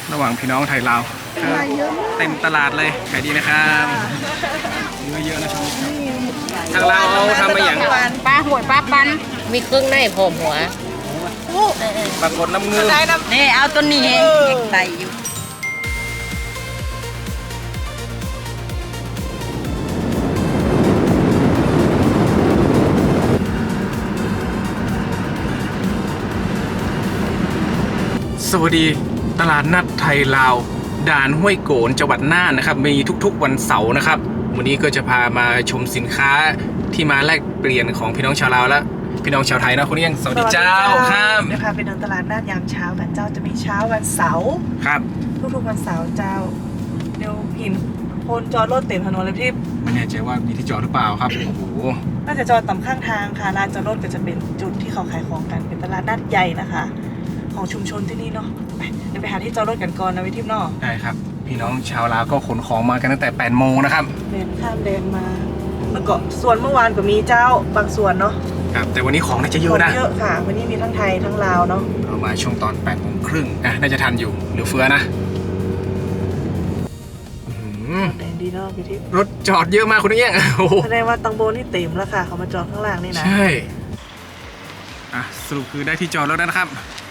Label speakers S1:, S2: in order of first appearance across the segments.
S1: ระหว่างพี่น้องไทยลาวเต็มตลาดเลยขายดีนะครับเนื้อเยอะนะครับทางเราเอาทำมาอย่าง
S2: ปลาหวยปลาปันมีเครื่องในผมหัว
S1: ปรากฏน้ำเงือ
S2: นี่เอาตัวนี้เองใส่อยู่
S1: สวัสดีตลาดนัดไทยลาวด่านห้วยโกนจังหวัดน่านนะครับมีทุกๆวันเสาร์นะครับวันนี้ก็จะพามาชมสินค้าที่มาแลกเปลี่ยนของพี่น้องชาวลาวและพี่น้องชาวไทยนะคุณเอี้ยงสวัสดีเจ้าครับ
S3: เดี๋ยวพาไปเดินตลาดนัดยามเช้ากันเจ้าจะมีเช้าวันเสาร์
S1: ครับ
S3: ทุกๆวันเสาร์เจ้าเดี๋ยวหินคนจอดรถเต็มถนนเลยพี่
S1: ไม่แน่ใจว่ามีที่จอดหรือเปล่าครับโอ้โห
S3: น่าจะจอดต่ำข้างทางค่ะลานจอดรถก็จะเป็นจุดที่เขาขายของกันเป็นตลาดนัดใหญ่นะคะของชุมชนที่นี่เนาะเดี๋ยวไปหาที่จอดรถกันก่อนนะวิทิพย์เนาะ
S1: ได้ครับพี่น้องชาวลาวก็ขนของมากันตั้งแต่8 โมงนะครับ
S3: เดินข้ามแดนมาแล้วก็ส่วนเมื่อวานก็มีเจ้าบางส่วนเนาะ
S1: ครับแต่วันนี้ของน่าจะเยอะนะ
S3: เยอะค่ะวันนี้มีทั้งไทยทั้งลาวเนาะ
S1: เรามาช่วงตอน8 โมงครึ่งน่าจะทันอยู่เหลือเฟือนะ
S3: แดนดีเนาะวิทิพย์
S1: รถจอดเยอะมากคุณเอี้ยง
S3: แสดงว่าตังโบนี่เต็มแล้วค่ะเขามาจอดข้างล่างนี่นะ
S1: ใช่สรุปคือได้ที่จอดแล้วนะครับ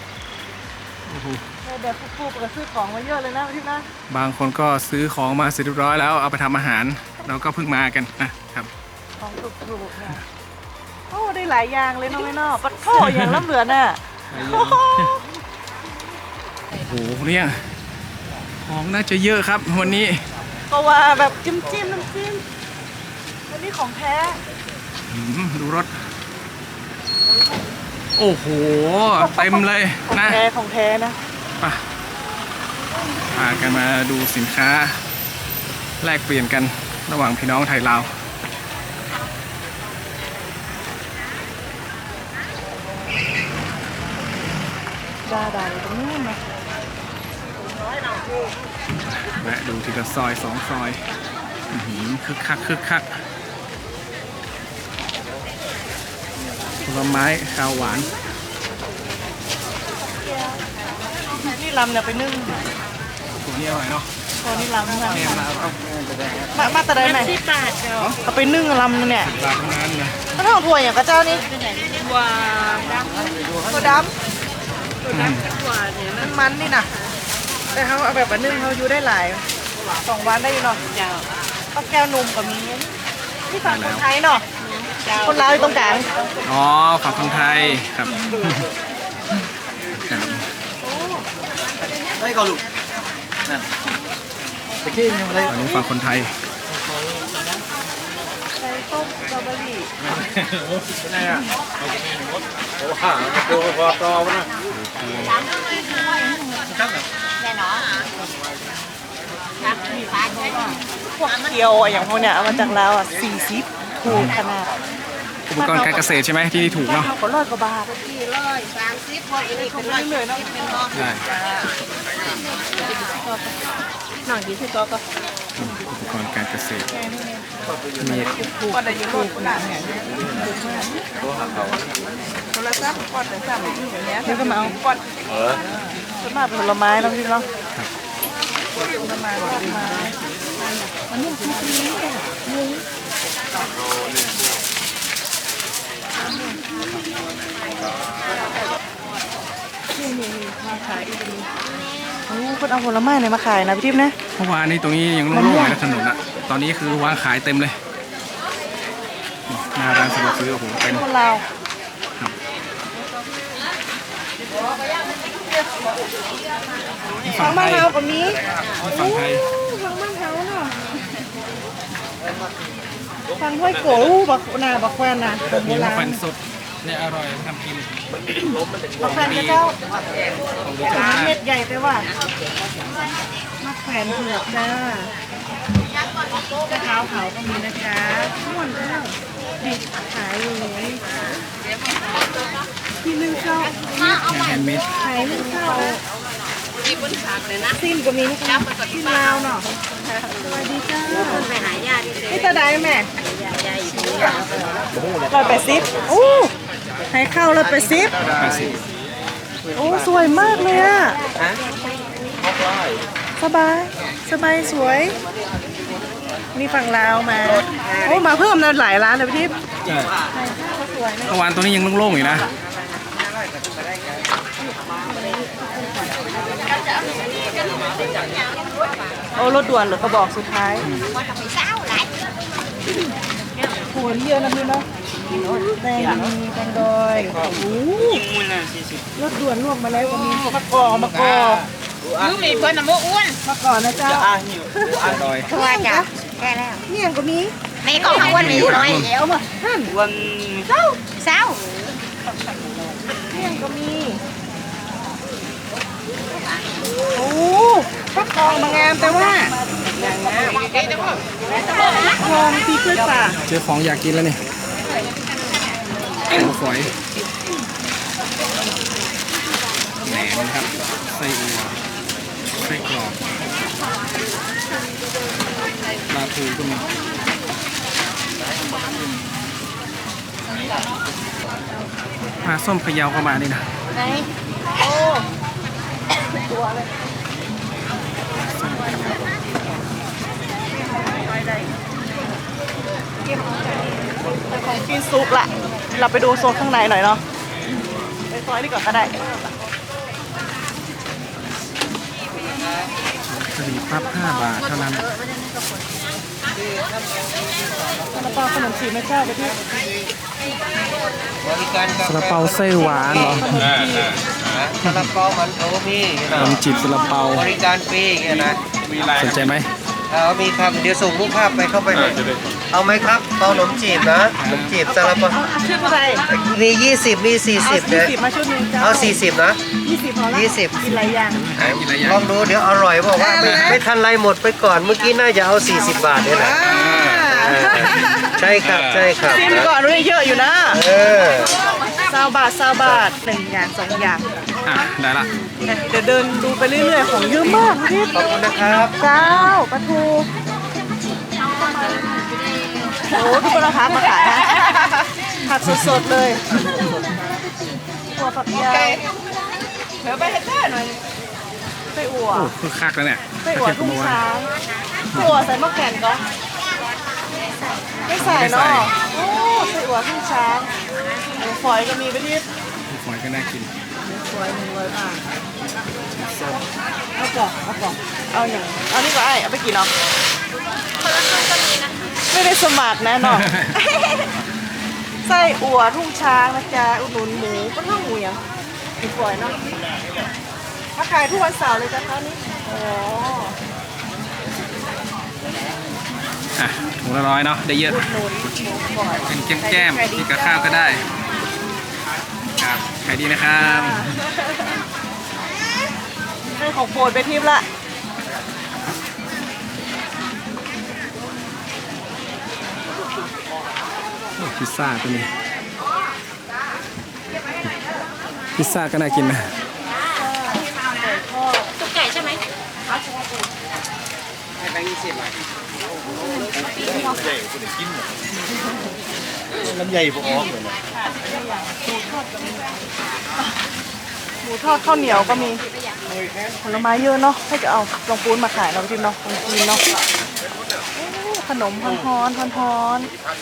S3: เดี๋ยวปุ๊บก็ซื้อของมาเยอะเลยนะพี่นะ
S1: บางคนก็ซื้อของมาเสร็จเรียบร้อยแล้วเอาไปทำอาหารเราก็เพิ่งมากันนะครับ
S3: ของถูกๆค่ะโอ้ได้หลายอย่างเลยน้องไม่นอกปัดโถอย่างล้ำเหลือน่ะ
S1: โอ้โหเนี่ยของน่าจะเยอะครับวันนี้
S3: ก็ว่าแบบจิ้มน้ำจิ้มวันนี้ของแท้
S1: ดูรถโอ้โหเต็มเลยนะ
S3: ของแท้นะ
S1: พากันมาดูสินค้าแลกเปลี่ยนกันระหว่างพี่น้องไทยลาว
S3: ดาตรงนู้นนะ
S1: แวะดูทีละซอย2 ซอยคึกคักผลไม้ข้าวหวาน
S3: นี่ลำเนี่ยไปนึ่ง
S1: ตัวนี้อร่อยเนาะ
S3: ตัวนี้ลำค่ะ
S1: เนี่ย
S3: มาแต่ได้ไหมเอาไปนึ่งลำเนี่ยถ้าทองถั่วอย่างกระเจ้านี่ถั่วดำถั่วดเนี่ยมันนี่นะแต่เขาเอาแบบนึ่งเขาอยู่ได้หลาย2 วันได้อยู่เนาะก็แก้วนุ่มกับมีที่ฝั่งคนไทยเนาะคนลาวอยู่ตรงกลาง
S1: อ๋อฝั่งคนไทยครับ
S4: ไม่ก็ลูกนั่นตะกี้ยังอะไร
S1: อันนี้ฝั่งคนไทย
S3: ไก่ต้มสตรอเบอรี่
S4: เป็นไงอ่ะโอ้ห่าโอ้พอตอวนะ
S2: แน่นอน
S3: พวกเกี๊ยวอย่างพวกเนี้ยเอามาจากลาว40ถูกขนาด
S1: อุปกรณ์การเกษตรใช่ไหมที่นี่ถูกเนาะ
S3: ก็100 กว่าบาท
S2: 130พออีกเป็น100
S3: เลยเนาะ
S1: ได้
S3: หน่อยดีที่ตัวก็
S1: อุปกรณ์การเกษตร
S3: มีถูกก็ได้ยืมถูกขนาดเนี่ยโทรศัพท์กดแต่สั่งอย่างเงี้ยแล้วก็มาเอากดส่วนมากผลไม้น้องพี่เนาะผลไม้อันนี้คือนี้ค่ะนี่มาขายอีกทีโอ้คนเอาผลไม้ไหนมาขายนะพี่ทิพย์นะ
S1: เมื่อวานนี้ตรงนี้ยังโล่งๆเลยนะถนนอะตอนนี้คือวางขายเต็มเลยหน้าร้านสะดวกซื้อโอ้โหเต็ม
S3: คนลาวฝั่งบ้านเฮาก็มี
S1: ฝั่งไทย
S3: ฝั่งบ้านเฮาเนาะฝั่งห้วยโกบักนาบักแควนนะ
S1: มีมะแขวนสดเนี่ยอร่อยทำกิน
S3: บักแควนเจ้าเม็ดใหญ่ไปว่าบักแควนเผือกจ้ากระเท้าเขาก็มีนะจ๊ะม่วนเจ้าดิบขายเลยที่นึ่งข้าว
S1: แฮนด์เมด
S3: ขายนึ่งข้าวซิมก็มีนะคะซิมลาวเนาะสวัสดีจ้า
S2: ไปหายาดิ
S3: นี่ตาได้แม่180โอ้ให้เข้า180โอ้สวยมากเลยอ่ะสบายสวยนี่ฝั่งลาวมาโอ้มาเพิ่มนะหลายร้านเลยพี่ทิพย์
S1: ใช่
S3: ก็สวยนะ
S1: เมื่อวานตัวนี้ยังโล่งๆอยู่นะ
S3: โอ้รถด่วนเหรือกระบอกสุดท้ายโหนี่เยอะนะพี่เนาะแตงมีแตงดอยโอ้โหรถด่วนลวกมาแล้วก็มีมะกอกมะกอก
S2: ลูกมีเพื่อนน้ำมูอ้วน
S3: มะกอกนะเจ้า
S1: ดอย
S2: ตัวจ้ะแก่แล้ว
S3: เนี่ยก็มี
S2: ในกองข้าววันมีน้อยเดี๋ยวมาวันเศร้า
S3: เนี่ยก็มีโอ้ฟักทองมางามแต่ว่าทองตีกล้วยป่า
S1: เจอของอยากกินแล้วนี่หัวฝอยแหนมครับไส้อั่วไส้กรอกปลาทูก็มีปลาส้มพะเยาเข้ามานี่นะ
S3: ไหนโอ้ตัวเลยของกินซุปละเราไปดูโซนข้างในหน่อยเนาะไปซอยนี่ก่อนก็ได้
S1: กะหรี่ปั๊บ5 บาทเท่านั้น
S3: ซาลาเปาขนมจีบแม่เจ้าไปที่
S1: ซาลาเปาไส้หวานเหรอ
S4: ซาลาเปามันโถมีอย่างเงี้ย
S1: ข
S4: นะ
S1: นมจีบซาลาเปา
S4: บริการฟรีอย่างเงี้ยนะมีอะไร
S1: สนใจไหม
S4: มีครับเดี๋ยวส่งรูปภาพไปเข้าไปหน่อยเอาไหมครับเปาขนมจีบนะขนมจีบซาลาเปา
S3: เอาชุดอะไร
S4: มี20มี40
S3: เอา
S4: เนี่ย
S3: 20มาชุดหนึงเจ้า
S4: เอา40นะ
S3: 20พอละ
S4: 20
S3: กินหลายอย่าง
S1: กินอะไรอย่าง
S4: ลองดูเดี๋ยวอร่อยบอกว่าไม่ทันไรหมดไปก่อนเมื่อกี้น่าจะเอา40 บาทเนี่ยนะใช่ครับใช่ครับ
S3: ซิมก่อนด้วยเยอะอยู่นะ
S4: เออ
S3: 20 บาท1อย่าง2อย่าง
S1: อ่ะได้ละ
S3: เดี๋ยวเดินดูไปเรื่อยๆของเยอะมากพี่
S4: ขอบคุณนะครับ
S3: เจ้าปลาทูโอ้ทุกคนเอาผักมาขายนะผักสดๆเลยตัวผักยาวเดี๋ยวไปให้แม่หน่อยไส้อั่ว
S1: โอ้คือคักแล้วเนี่ย
S3: ไส้อั่วทุ่งช้างไส้อั่วใส่มะแขวนก็ไม่ใส่เนาะโอ้ไส้อั่วทุ่งช้างหมูฝอยก็มีไปที่
S1: หอยก็น่ากิน
S3: หมูฝอย100 บาทเอากล่องเอาอย่างเอานี่ก็ไอ้เอาไปกี่เนาะไม่ได้สมัครแน่นอน ไส้อั่วทุ่งช้างนะจ๊ะอุดหนุนหมูก็เท่าหมูอย่างหมูฝอยเนาะมาขายทุกวันเสาร์เลยจ้ะคะนี่อ๋อ
S1: อ่ะถุงละ100เนาะได้เยอะ
S3: อุดหนุนหมูฝอย
S1: เป็นแก้มๆกินกับข้าวก็ได้ครับขายดีนะครับ
S3: ได้ของโปรดไปทิพย์ละ
S1: โอ้พิซซ่าตัวนี้พิซซ่าก็น่ากินนะ
S2: ตุ๊กไก่ใช่ไหม
S4: ลำใหญ่พวกออกเลยนะ
S3: หมูทอดข้าวเหนียวก็มีผลไม้เยอะเนาะให้จะเอาลงปูนมาขายเราทิพย์เนาะลงจีนเนาะโอ้ขนมฮ้อน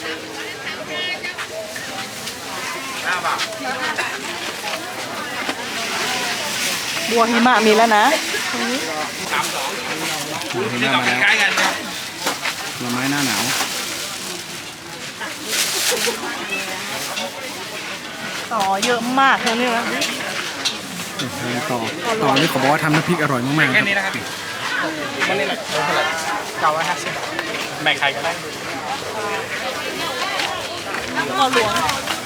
S3: บัวหิมะมีแล้วนะตรงนี้
S1: เห็นหน้ามาแล้วผลไม้หน้าหนาว
S3: ต่อเยอะมากเลยนี่นะ
S1: ต่อนี่ขอบอกว่าทำน้ำพริกอร่อยมากๆครับ
S4: แบ่งใครก็ได้
S3: ต่อหลวง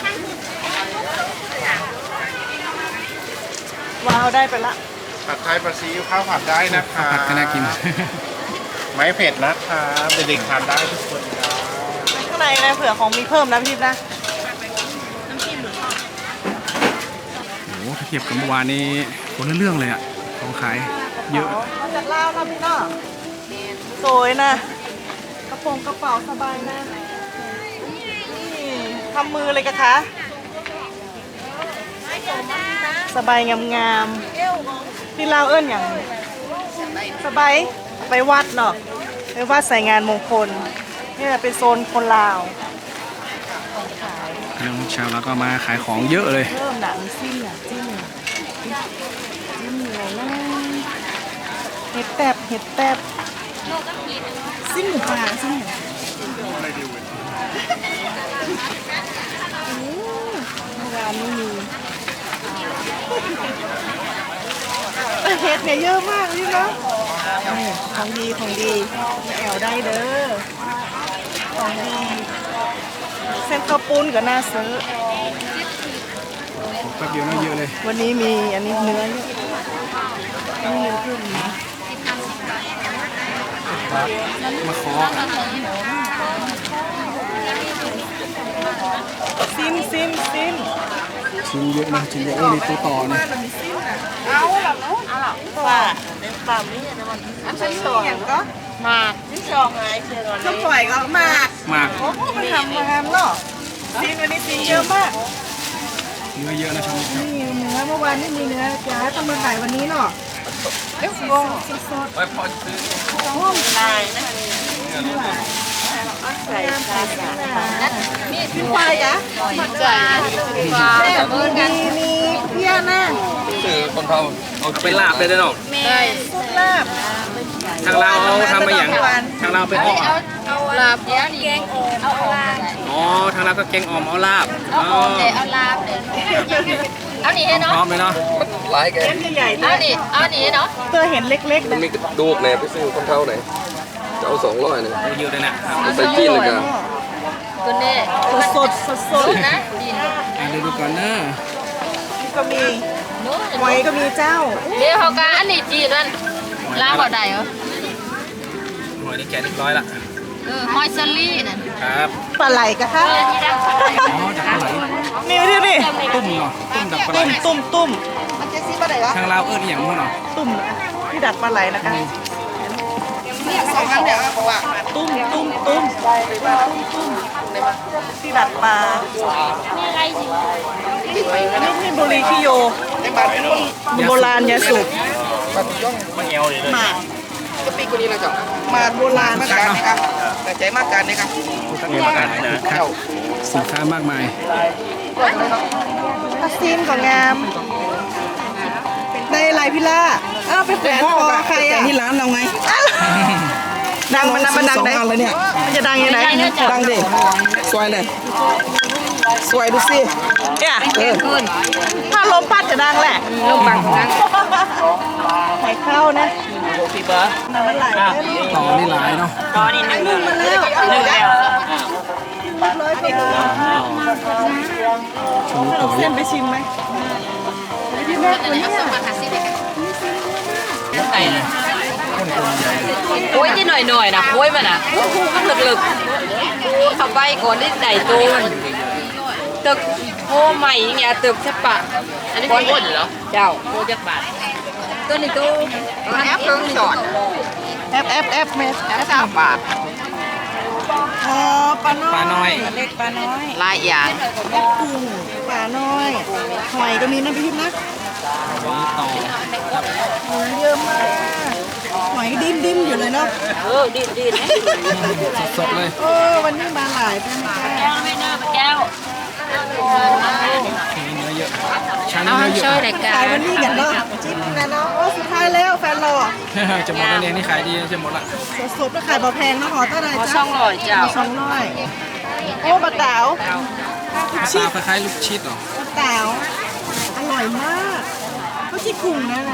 S3: ว้าวได้ไปละ
S4: ผัดไทยปลาซีอิ๊วข้าวผัดได้นะค
S1: ข้าว
S4: รับ
S1: ผัดก็น่ากิน
S4: ไม่เผ็ดนะครับเด็กๆทานได้ทุกคนครับ
S3: ข้างในนะเผื่อของมีเพิ่มนะพี่ทิพย์นะ
S1: โอ้โหถ้าเทียบกับเมื่อวานนี้คนละเรื่องเลยอะของขายเยอะ
S3: มาจากลาวนะพี่เนาะสวยนะกระเป๋าสบายนะนี่ทำมือเลยกะคะสบายงามๆที่ลาวเอิ้นอย่างสบายไปวัดเนาะไปวัดใส่งานมงคลนี่เป็นโซนคนลาวขาย
S1: น้องชาวแล้วก็มาขายของเยอะเลย
S3: เริ่มหนังซิ่งอ่ะจิ้มอะไรนะเห็ดแตบซิ่งหมูปลาซิ่งหมูเมื่อวานไม่มีเห็ดเนี่ยเยอะมากเลยนะของดีแอวได้เด้อของดีเส้นข้าวปุ้นกับหน้าซื้อ
S1: แป๊บเดียวน่าเยอะเลย
S3: วันนี้มีอันนี้เนื้อเยอะนี่เนื้อขึ้นนะ
S1: มาขอ
S3: ซิม
S1: ชิ้นเยอะนะชิ้นเยอะเลยตัวต่อนะ
S3: เอาแบบนู้นว่าเด็กปั๊มนี่นะมันอันที่สองอย่างก็หมากที่สองไงเชื่อก่อนข้าวปล่อยก็หมาก
S1: มาก
S3: โอ้โหมันทำมาทำเนาะซิมวันนี้ซิมเยอะมาก
S1: เนื้อเยอะนะช่าง
S3: นี่เนื้อเมื่อวานไม่มีเนื้อจ้าต้องมาขายวันนี้เนาะเดี๋ยวงงสด
S1: ไปพอซื้อ
S3: ๆห้อมลายนะใส่ชามีพี่ควายจ้ะมีเพี้ยนะ
S1: ซื้อคนเท่าเอาไปลาบเลยได้เนาะ
S3: ได้ซุปลาบ
S1: ทางเราเอาทำมาอย่างทางเราไปอ้อ
S2: เอาลาบแกงเอาลาบ
S1: อ๋อทางเราก็แกงอ่อมเอาลาบ
S2: เอาหอมเลยเอาลาบเลยเอานี่ให้เนาะ
S1: พร้อมเลยเนาะ
S5: หลายแก
S3: เส้นใหญ่ๆ
S2: เอา
S3: เนี่ย
S2: นี่เอานี่เนาะ
S3: เพื่อเห็นเล็กๆ
S5: มัน
S3: นะ
S5: มีกระดูกแหน่ไปซื้อคนเท่าไหนจะเอา200เนี่ย
S1: เยอะเลยนะ
S5: ไปกินเลยกัน
S2: ตัวนี้
S3: สดๆ
S2: นะดิน
S1: ดูก่อนนะ
S3: นี่ก็มีหอยก็มีเจ้า
S2: เดี๋ยวเขาก็อันนี้จีนนั่นลาบเขาได้เหรอ
S1: หอยนี่แกะเรียบร้อยละ
S2: หอยเซลลี่นั่น
S1: ครับ
S3: ปลาไหลกะคะ
S2: ที่ดัง
S1: อ๋อดักปลาไหล
S3: นี่นี่
S1: ตุ้มเนาะตุ้มดักปลาไหล
S3: ตุ้มมันจะซีปลาไหลเหรอ
S1: ทางเราเอิ้นอหย่างมั้งเนาะ
S3: ตุ้มที่ดัดปลาไหลนะคะสองครั้งเดี๋ยวบอกว่าตุ้มที่ดัดปลานี่บุรีคิโยโบราณยาสูบหมาก
S5: ปีกว่านี้นะจ๊ะ
S3: หมากโบราณนะคะ
S5: แต่ใจมากกันนะครับ
S1: เรียนกันนะครับสินค้ามากมาย
S3: ถ้าซีนของงามได้ลายพิล่าอ้าวไปแขวนคอใครอ่ะ
S6: ที่ร้านเราไง
S3: ดังมันดังไหน
S6: 2 อันเลยเนี่ย
S3: มันจะดังยังไง
S6: ดังดิสวยเลย สวยดูสิ
S3: เนี่ย
S6: เออ
S3: ถ้าลมพัดจะดังแหละลมบังดังไข่เข้านะน้ำมันไหล
S1: ต่อนี่หลายเนาะ
S3: นึ่งมาแล้วนึ่งแล้วร้อยกว่าโล
S1: ชูต่อ
S3: เส้นไปชิมไหมพี่แม่คนนี้
S2: โอ้ยที่หน่อยๆนะโอ้ยมันอ่ะก็ลึกๆขับไปก่อนที่ไหนตูนตึกโอ้ใหม่อย่างเงี้ยตึกใช่ปะอันนี้คนเหรอเจ้าโคจักบาทตัวนี้ตู้แอปเพิ่งจอด
S3: แอปเมสแอปบาทอ๋อปลาน้อยเล็กปลาน้อย
S2: ลายอย่าง
S3: กุ้งปลาน้อยหอยก็มีนะพี่นะ
S1: ต่อ
S3: หอยเยอะมากหอยดิ้นอยู่เลยเนาะ
S2: ดีนะ
S1: สดเลย
S3: วันนี้มาหลายเป็นแก้
S2: แก้วไม่น่าแก้ว
S1: เนื้อเยอะชั้น
S2: เอา
S1: เนื้อเย
S2: ช่วย
S1: อะ
S2: รายกา
S3: ขาร ยวันนี้กันเนาะจิ้มนะเนาะโอ้สุดท้ายแล้วแฟนหล่อ
S1: จะหมดแล้วเนี่ยนี่ขายดีจะหมดละ
S3: สดๆแล้วขายบ่แพงนะหอเท่าไหร่
S2: ขอ
S3: จ๊ะ
S2: ช่องลอยเจ้า
S3: 200โอ้บะเต๋า
S1: ชิดคล้ายๆลูกชิดเหรอบ
S3: ะเต๋าอร่อยมากเขาชิกุ้งนะ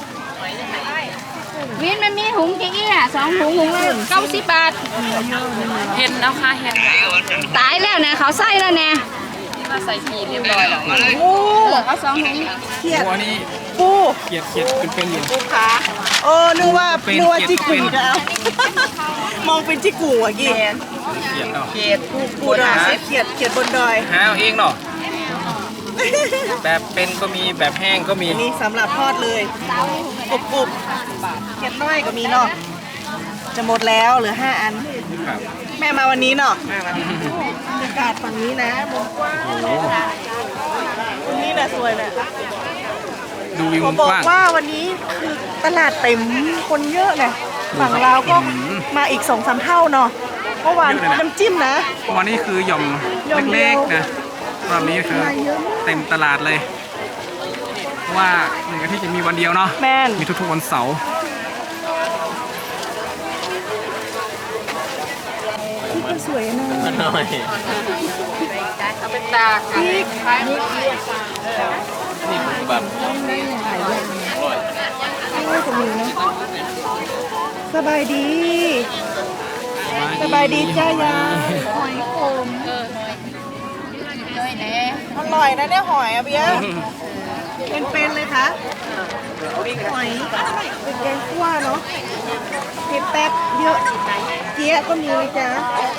S2: วินมันมีหุงกี่อี้อ่ะ2 ถุงหุงละ90 บาทเห็นแล้วค่ะเห็นตายแล้วเนี่ยเขาใส่แล้วเนี่ยมาใส่ขีดเรียบร้อยแล้ว
S3: โอ้
S2: เอา2 ถุง
S3: เขียด
S1: ตัวนี้
S3: ปู
S1: เขียดเป็นอยู่
S3: โอ้นึกว่าจิกุ้งจะเอามองเป็นจิกุ้งอ่ะกี่
S1: เขียดเนาะ
S3: ปูดาเขียดบนดอย
S1: หาเอาเองเนาะแบบเป็นก็มีแบบแห้งก็มี
S3: นี่สำหรับทอดเลยกรุบๆเขียดน้อยก็มีเนาะจะหมดแล้วเหลือ5 อัน
S1: ครับ
S3: แม่มาวันนี้เนาะบรรยากาศฝั่งนี้นะมุมกว้างตรงนี้นะสวยนะ
S1: ดูดูวิว
S3: ขอ
S1: มุม
S3: บอก
S1: กว้าง
S3: ว่าวันนี้คือตลาดเต็มคนเยอะเลยฝั่งลาวก็มาอีก2-3 เท่าเนาะเมื่อวานน้ำจิ้มนะ
S1: วันนี้คือหย่อม
S3: หย่อมเดี
S1: เล็
S3: ย
S1: ก
S3: ว
S1: ๆนะรอบนี้คือเต็มตลาดเลยเพราะว่าหนึ่งอาทิตย์จะมีวันเดียวเนาะ
S3: แมน
S1: มีทุกๆวันเสาร์
S3: นี่ก็สวยนะ
S2: เอาไปตากค่ะ
S3: นี่จะมีนะสบายดี สบายดีจ้ายาหอยขมอร่อยนะเนี่ยหอยอะเบียร์เป็นๆเลยค่ะหอยเป็นแกงคั่วเนาะเผ็ดแป๊บเยอะเจี๊ยะก็มีเลยจ้า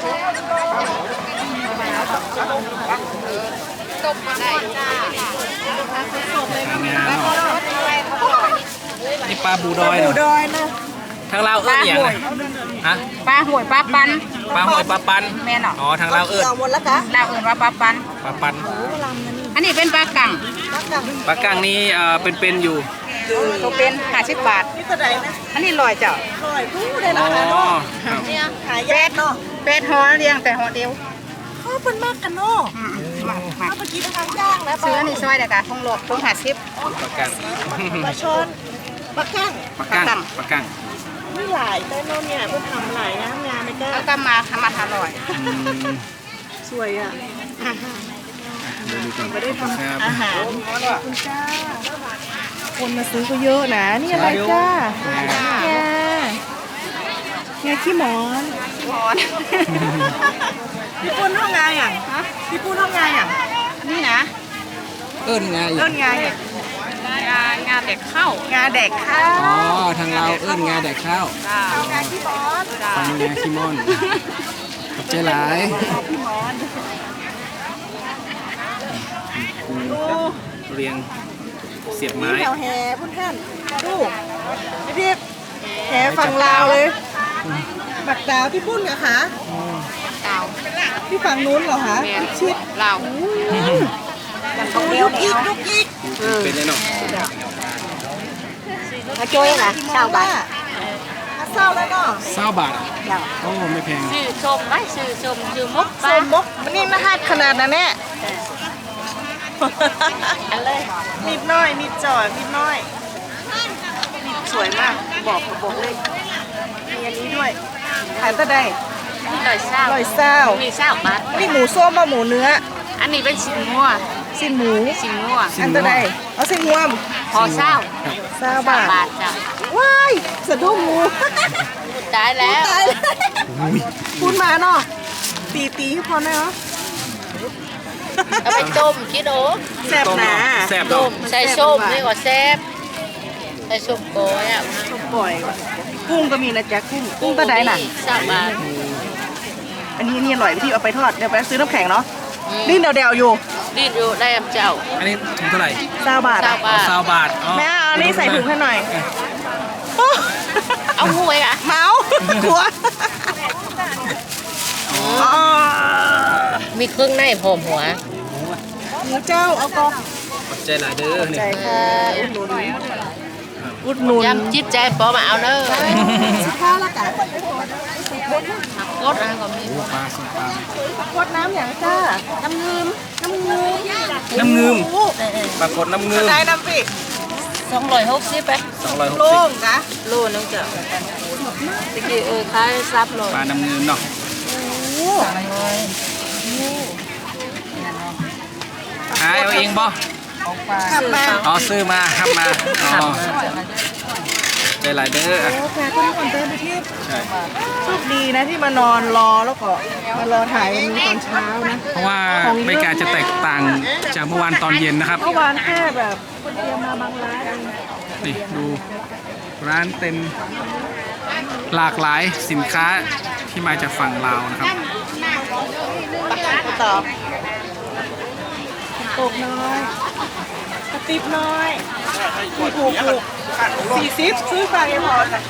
S1: นี่ปลาบูดอย
S3: ปู
S1: เนาะ
S3: ดอยนะ
S1: ทางลาวเอิ้นอย่างไรฮะ
S2: ปลาหวยปลาปัน
S1: ปลาหอยปลาปัน
S2: แม่เนาะ
S1: อ๋อทางลาวเอิ้น
S3: เอาหมดแล้วคะ
S2: ลาวเอื่นว่าปลาปัน
S1: ปลาปัน
S2: อันนี้เป็นปลากัง
S1: ปลากั้งนี่เป็นๆอยู่
S2: ตัวเป็น50 บาท
S3: นี่ตัวใดนะ
S2: อันนี้ลอยเจ้า
S3: อร่อยพูดได้
S1: อ๋
S3: รา
S1: อ
S3: คาเนาะ
S1: ครับ
S3: หายากเนาะ
S2: เป็ดห่อเลี้ยงแต่ห่อเดียว
S3: เขาเป็นมากกันเนาะ
S2: มา
S3: ถ้าเมื่อกี้ทางย่างนะ
S2: ซื้ออันนี้ซอยเด็กอะทงโลกทง50
S1: ปลากั้ง
S3: ปลาชอนปลาข้าง
S1: ปลากั้งปลากั้ง
S3: ไม่หลายแต่โน่นเนี่ยเพิ่งทำหลายนะงานไม่กล้า
S2: แล้วก็มาทำมาอร่อย
S1: อืม
S3: สวยอ่ะ
S1: เดี๋ยวดูก่อน
S3: ไม่ได้ท
S1: ครับ
S3: ำอาหารขอบคุณจ้าคนมาซื้อก็เยอะนะนี่อะไรจ้างาขี้หมอน
S2: หอน
S3: พี่ปุ้นห้องงานอย่างพี่ปุ้นห้องงานอย่าง
S2: นี่นะ
S1: เอิ้นไง
S3: เอิ้นงานอย่าง
S2: งานเด็กเข้าง
S3: านแดกข้าว
S1: อ๋อทางลาวเอิ้นงาแดกข้าว
S3: งานขี้หมอน
S1: ฟังงาขี้ม่อนขอบใจหลาย
S3: ขี้หมอน
S1: เรียงเสียบ
S3: นี่
S1: ไม้
S3: แถวแห่พุ่นท่านดูพี่แห่ฝั่งลาวเลยบักดาวพี่ปุ้นเหรอคะ
S2: เต่า
S3: พี่ฝั่งนู้นเหรอคะ
S2: แม่
S3: พี่ชิด
S2: เรา
S3: ยุกยิกยุกยิก
S1: เป็นเลยเนาะ
S2: มาช่วยนะชาวบ้าน
S3: เศร้าแล้วเนาะ
S1: 20 บาทโอ้ไม่แพง
S2: ชื่อชมไหมชื่อชมชื่อมุก
S3: สมมกมันนี่นะฮะขนาดนั้นแน่
S2: อันเลย
S3: นิดน้อยนิดจ่อยนิดน้อยสวยมากบอกเลยมีอันนี้ด้วยขายตะได
S2: ลอยเศร้า
S3: ร้อยเศร้า
S2: มีเศร้าบาท
S3: นี่หมูส้มมาหมูเนื้อ
S2: อันนี้เป็นชิ้นงัว
S3: สิ้นหมู
S2: ชิ้นงัว
S3: อันตะไดเอาสิ้นงวม
S2: พอเศร้า
S3: บาท
S2: บาทจ้ะ
S3: ว้ายสะดุ้งงู
S2: ตายแล้ว
S3: ตายเลยพูดมาเนาะตีให้พอหน่อยเนาะ
S2: เอาไปต้มคิดโอ้
S3: แซ่บหนา
S1: แซ่บ
S2: ต้
S1: เนาะ
S2: มใส่ส้มนี่ก็แซ่บใส่ส้มโกยอ่ะ
S3: ปล่อยกุ้งก็มีนะจ๊ะกุ้งตะไดน่ะ
S2: 3 บาท
S3: อันนี้นี่อร่อยพี่เอาไปทอดเดี๋ยวไปซื้อน้ำแข็งเนาะนี่เดวๆอยู่
S2: ดิ้นอยู่ได้อำเจ้า
S1: อันนี้ถุงเท่าไหร่
S3: 9 บาท
S2: เศร้า
S3: อะ
S2: บาท
S1: 20 บาทอ๋อ
S3: แม่เอาอันนี้ใส่ถุงให้หน่อย
S2: เอาหวยอ่ะ
S3: เมาหัวอ๋อ
S2: มีเครื่องในพร้อมหัว
S3: หมูเจ้าเอากอ
S1: ขอบใจหลายเด้อนี่
S3: ใจค่ะอุดหนุน
S2: ยำจิตใจปอมาเอาเนอะ
S3: สิข้าวละกัน
S2: กดอันก็มี
S1: โอ้ปลาส้มปลา
S3: ขวดน้ำอย่างจ้าน้ำเงิม
S1: น้ำเงิมปรากฏน้ำเงิม
S3: ได้น้ำปีก
S2: 260ไป
S3: โล่ง
S1: 260
S3: กะ
S2: โลนึงจ้ะตะกี้ขายซับโล
S1: ปลาน้ำเงิมเนาะขายเอาเองบ่
S3: ขับมา
S1: อ๋อซื้อมาครับมาอ๋อใจหลายเด้ออ่ะ
S3: โอ้แพรก็มีคนเดินไปที่
S1: ใช่
S3: โชคดีนะที่มานอนรอแล้วก็มารอถ่ายวันนี้ตอนเช้านะ
S1: เพราะว่าบรรยากาศจะแตกต่างจากเมื่อวานตอนเย็นนะครับ
S3: เมื่อวานแค่แบบคนเดียวมาบางร้านเอง
S1: นี่ดูร้านเต็มหลากหลายสินค้าที่มาจากฝั่งลาวนะครับ
S3: ต่อตกน้อยกระติบน้อยถูก40ซื้อฝากยังพอจ้ะ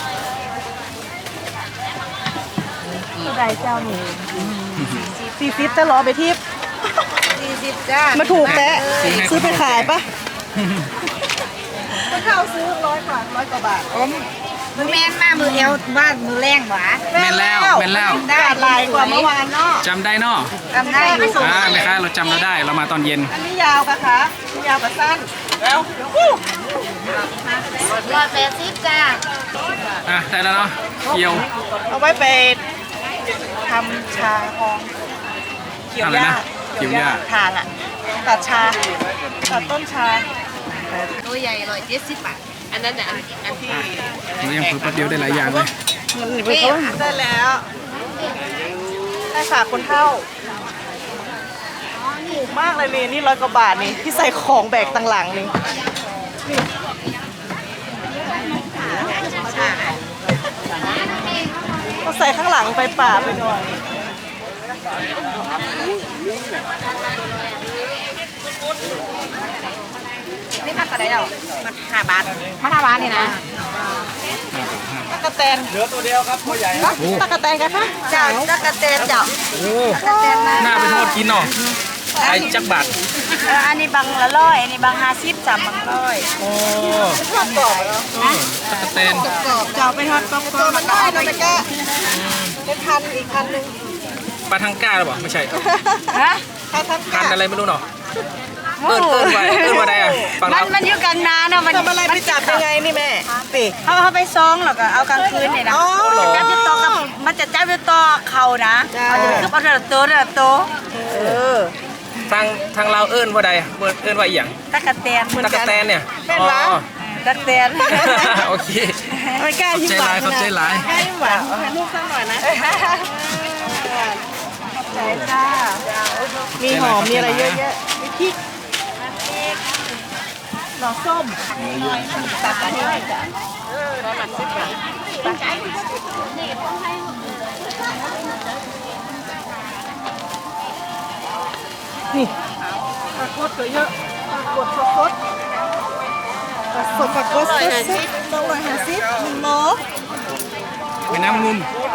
S3: เท่าไรเจ้าหนู40จะรอไปทิพย์
S2: 40จ้า
S3: มาถูกแตะซื้อไปขายปะเข้าซื้อ100 กว่าบาท
S2: มือแม่นมามือเอวบ้านมือแรงหวา
S1: แม่นแล้วแม่นแล้ว
S3: ได้ลายกว่าเมื่อวานเนาะ
S1: จำได้เนาะ
S2: จำได้ไม่ส่ง
S1: แม่ค้าเราจำเราได้เรามาตอนเย็น
S3: อันนี้ยาวกะคะยาวกับสั้นแล้ว
S2: 180จ้า
S1: อ่ะได้แล้วเนาะเกี่ยว
S3: เอาไว้ไปทำชาหอมเกี่ยว
S1: อะไร
S3: หญ้า
S1: นะเกี่ยวหญ้า
S3: ทานอ่ะตัดชาตัดต้นชา
S2: ตัวใหญ่170 บาทอันนั้นน่ะอันที่
S1: หนูยังฝึกแป๊บเดียวได้หลายอย่างเลย
S3: ได้แล้วได้ฝากคนเท่าถูกมากเลยนี่100 กว่าบาทนี่ที่ใส่ของแบกต่างหลังนี่ก็ใส่ข้างหลังไปป่าไปหน่อย
S2: นี่มากกว่าได้หรอมัน5 บาทมัน5 บาทนี่นะ
S3: ตะกะแตนเหลือตัวเดียวครับตัวใหญ่ตะกะแตนกันคะ
S2: เจ้าตะกะแตนเจ้า
S1: โอ้หน้าไปทอดกินเนาะขายจักบาท
S2: อันนี้บางละ100อันนี้บาง50จ้ะบาง100
S1: โอ้
S3: ทอดกรอบเหรอ
S1: ตะกะแตน
S3: กรอบจะเอาไปทอดกรอบมันได้นะตะกะเป็นพันอีกพันหนึ่ง
S1: ปลาทังก้าหรือเปล่าไม่ใช่
S2: ฮะ
S3: ใครทัน
S1: พันอะไรไม่รู้เนาะเอิ้นว่าได้อะฝั่งเรา
S2: มันอยู่กลางนาเนาะมัน
S3: ทำอะไรไปจับยังไงนี่แม่ปี
S2: เขาไปซองแล้วก็เอากลางคืนเนี่ยนะ
S3: อ๋อ
S2: จับอยู่ต่อกับมันจะจับอยู่ต่อเขานะเอาจะคือเอาแต่ตัวแต่ตัว
S1: ทางเราเอิ้นว่าใดเอิ้นว่าอีหยัง
S2: ตะกะแตน
S1: ตะกะแตนเนี่ย
S3: เป็นวะ
S1: อ๋อ
S2: ตะกะแตน
S1: โอเค
S3: ไม่กล้ายิ้มหวาน
S1: ขอบใจหลาย
S3: กล้ายิ้มหวานให้ลูกสักหน่อยนะใช่ค่ะมีหอมมีอะไรเยอะแยะมีพริกหน่อส้มตัดอันนี้จ้ะนี่ปลากดก็เยอะปลากดสดปลากดสด250 1 โล
S1: ไปน้ำงุม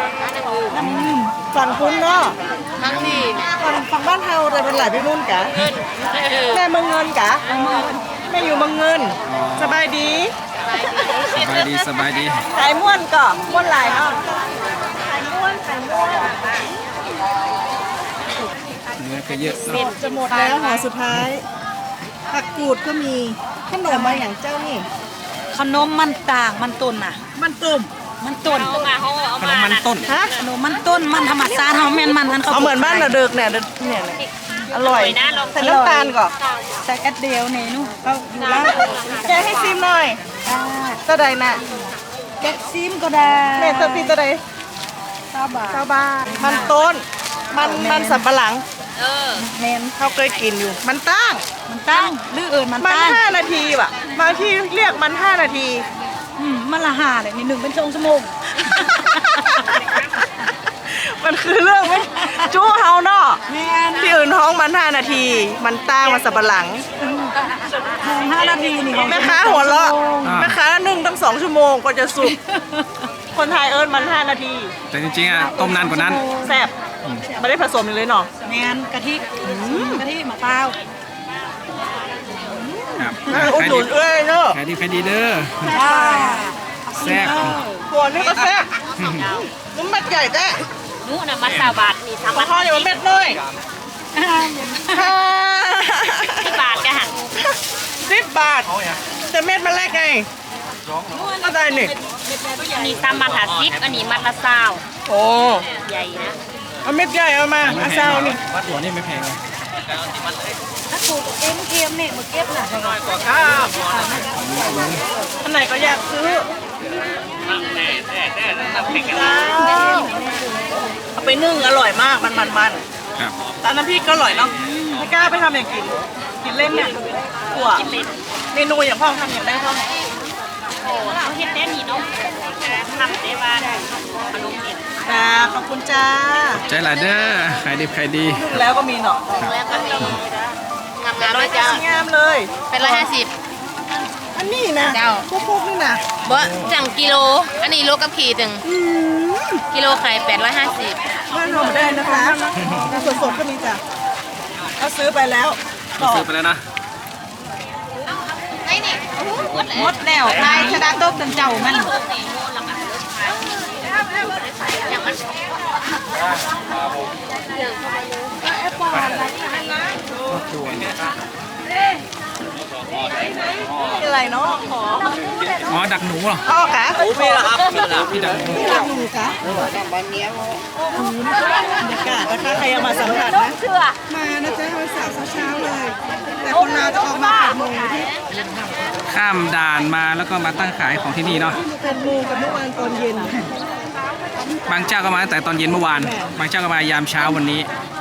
S3: ฝั่งคุณเนาะ
S2: ทั้งที่
S3: ฝั่งบ้านเฮาแต่เป็นหลายไปนู่นกะแม่เมืองเงินกะแม่อยู่เมืองเงิน สบายดี
S1: สบายดีสบายดี
S3: ขายม่วนก่อม่วนหลายเนาะขายม่วน
S1: เนื้อก็เยอะเนาะ
S3: จะหมดแล้วห่อสุดท้ายผักกูดก็มีขนมมาอย่างเจ้านี่
S2: ขนมมันต่างมันต้นน่ะ
S3: มันตุ่ม
S2: มันต้น
S1: ขนมมันต้น
S3: ฮะ
S2: ขนมมันต้นมันธรรมชาติเฮาแม่นมันอันเขา
S3: เอาเหมือนบ้านเราเดิกเนี่ยเนี่ยอร่อยใส่น้ำตาลก่อน
S2: ใส่กระเดียวนี่นู่น
S3: เอาอยู่แล้วแกให้ซิมหน่อยเท่าใดน่ะ
S2: แก๊กซิมก็ได้
S3: แม่ตัวปีตัวใด
S2: 9 บาท
S3: ชาวบ้านมันต้นมันสับปะหลัง
S2: แม่น
S3: เขาเคยกินอยู่ มันตั้ง
S2: มันตั้งหรือเอิญมัน
S3: มัน
S2: ตั้ง
S3: 5 นาทีว่ะบางที่เรียกมัน5 นาที
S2: มันละ5เลยนี่1เป็นชั่วโมง
S3: มันคือเรื่องไม่จู้เฮาเนาะที่อื่นท้องมัน5 นาที มันตั้งมันสับปะหลัง
S2: 5 นาทีนี่
S3: แม่ค้าหัวเราะแม่ค้านึ่งตั้ง2 ชั่วโมงกว่าจะสุก คนไทยเอิญมัน5 นาที
S1: แต่จริงๆอ่ะต้มนานกว่านั้น
S3: แซ่บไม่ได้ผสมเลยเนาะ
S2: แม่นกะทิกะทิมะพร้าว
S1: ครับ
S3: อุดหนุนเอ้ยเนาะ
S1: ขายดีเด้อแซ่บ
S3: หัวนี่ก็แซ่บนุ่มเม็ดใหญ่แท้
S2: นู้นน่ะมัน20 บาทนี่
S3: ปลาทอดอยู่เม็ดน้อย
S2: 10 บาทกะหัน
S3: 10 บาทแต่เม็ดมันแรกไงก็ได้นี่
S2: อันนี้3 บาท50อันนี้มัดละ20
S3: โอ้
S2: ใหญ่นะ
S3: เอาเม็ดใหญ่เอามาเอาเซานี่
S1: หัวนี่ไม่แพงเลย
S2: ถ้าปลูกเอ็มเนี่ยมาเก็บน่ะ
S3: อันไหนก็อยากซื้อเอาไปนึ่งอร่อยมากมัน
S1: ครับ
S3: แต่น้ำพริกก็อร่อยเนาะไม่กล้าไปทำอย่างกินเล่นเนี่ยกลัวเมนูอย่างพ่อทำอย่างได้พ่อ
S2: เขาเฮ็ดได้นี่เนาะทำได้ว่าขนมเห็ด
S3: ขอบคุณจ้า
S1: ใจหลายเด้อขายดี
S3: แล้วก็มีเนาะ
S2: แล้วก็มีงามๆด้วยจ้าง
S3: ามเลย
S2: เป็น150
S3: อันนี้นะ
S2: เจ้า
S3: พวกนี่นะ
S2: บ่จังกิโลอันนี้โลกับขีดหนึ่งกิโลไข่850
S3: บ้านเราไม่ได้นะคะสดๆก็มีจ้ะเอาซื้อไปแล้ว
S1: ๆเราซื้อไปแล้วนะ
S2: ไอ้นี่
S1: โอ้
S3: หมดแล้วนายชนะโต๊ะจนเจ้ามัน อะไรเนาะขอ
S1: อ๋อดักหนูเหรอ
S3: อ้อกะ
S1: พี่ดักหนู
S3: ดูกะบรรยากาศนะคะใครยังมาสัมผัสนะมานะจ๊ะวันเสาร์เช้าๆเลย แต่คนลาวจะออกมา8 โมงที่
S1: ข้ามด่านมาแล้วก็มาตั้งขายของที่นี่เนาะ
S3: 8 โมงกับเมื่อวานตอนเย็น
S1: บางเจ้าก็มาตั้งแต่ตอนเย็นเมื่อวาน บางเจ้าก็มายามเช้าวันนี้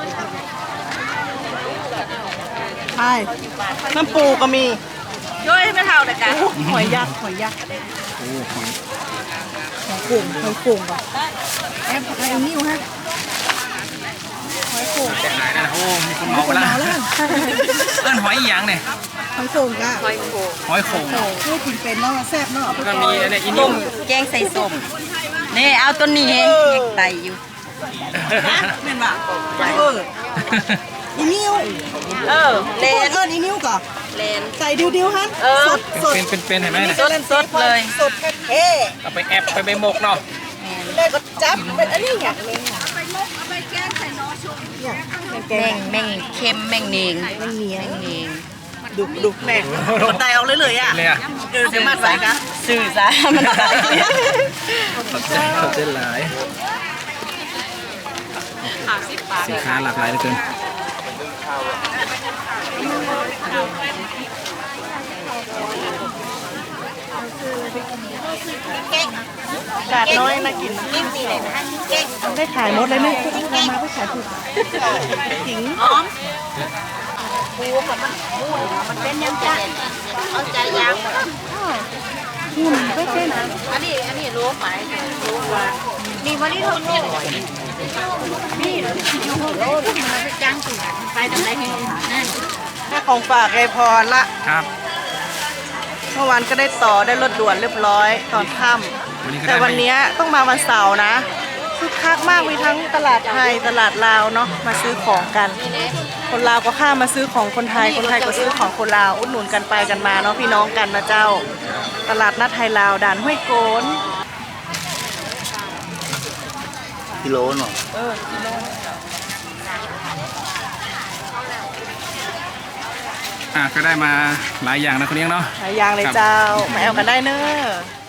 S3: ใช่น้ำปูก็มี
S2: ด้วยไม่เท่าแต่กัน
S3: หอยยักษ์หอยยักษ์
S1: โอ้หอย
S3: หอยโข่งหอยโข่งป่ะแอบไอ้นิ้วฮะหอยโข่ง
S1: จะขายได้แล้วโอ้มีคนเหมาไปแล้วเอิ้นหอยอีหยังเนี่ย
S3: หอยโข่งกะ
S2: หอยโขง
S1: หอยโข่ง
S3: โข่งพูดกินเป็นเนาะแซ่บเนาะ
S1: ก็มีอะไรอี
S2: ต้
S1: นิ่
S2: ม
S1: ม
S2: แกงใส่ส้มนี่เอาตัวนี้เองยังไตอยู่
S3: เป็นป่ะอีนิ้ว
S2: เล
S3: พูด
S2: น
S3: เอิญอีนิ้วก่อน
S2: เลน
S3: ใส่ดิวๆฮะสดสด
S1: เป็นเห็นไหมเนี่ย
S2: สดเลย
S3: สดเท่
S1: เอาไปแอบไปหมกเนาะ
S3: เลยก็จับเป็นอันนี้อยากเลย
S2: แม่งเค็มแม่งเนง
S3: มันเหนียว
S2: แม่งเนง
S3: ดุแม่คนตายออกเลยอ่ะ
S1: เลยอ่ะ
S3: เดี๋ยวมาใส่กัน
S2: สื่อซะมันตาย
S1: ขอบใจหลายสินค้าหลากหลายเหลือเกิน
S3: กาดน้อยมากินได้ขายหมดเลยไหมเรามาก็ขายถูกถิง
S2: มันเป็นยังไงเอาใจยาง
S3: หุ่นไม่เป็น
S2: อันนี้รู้ไหมรู้ว่านี่วันนี้ทนโลกนี่อยู่โลกมันไปจ้างตัวไปทำไรให้นั่น
S3: แค่ของฝากไอพรละ
S1: ครับ
S3: เมื่อวานก็ได้ต่อได้รถด่วนเรียบร้อยตอนค่
S1: วันนี้ก็
S3: ำ
S1: ได้
S3: แต่วันนี้ต้องมาวันเสาร์นะคึกคักมากมีทั้งตลาดไทยตลาดลาวเนาะมาซื้อของกัน คนลาวก็ข้ามมาซื้อของคนไทยคนไทยก็ซื้อของคนลาวอุดหนุนกันไปกันมาเนาะพี่น้องกันนะเจ้า ตลาดนัดไทยลาวด่านห้วยโกน
S4: กิโลหน่อย
S1: ก็ได้มาหลายอย่างนะคนเลี้ยงเนาะ
S3: หลายอย่างเลยเจ้ามาแอลกันได้เนอะ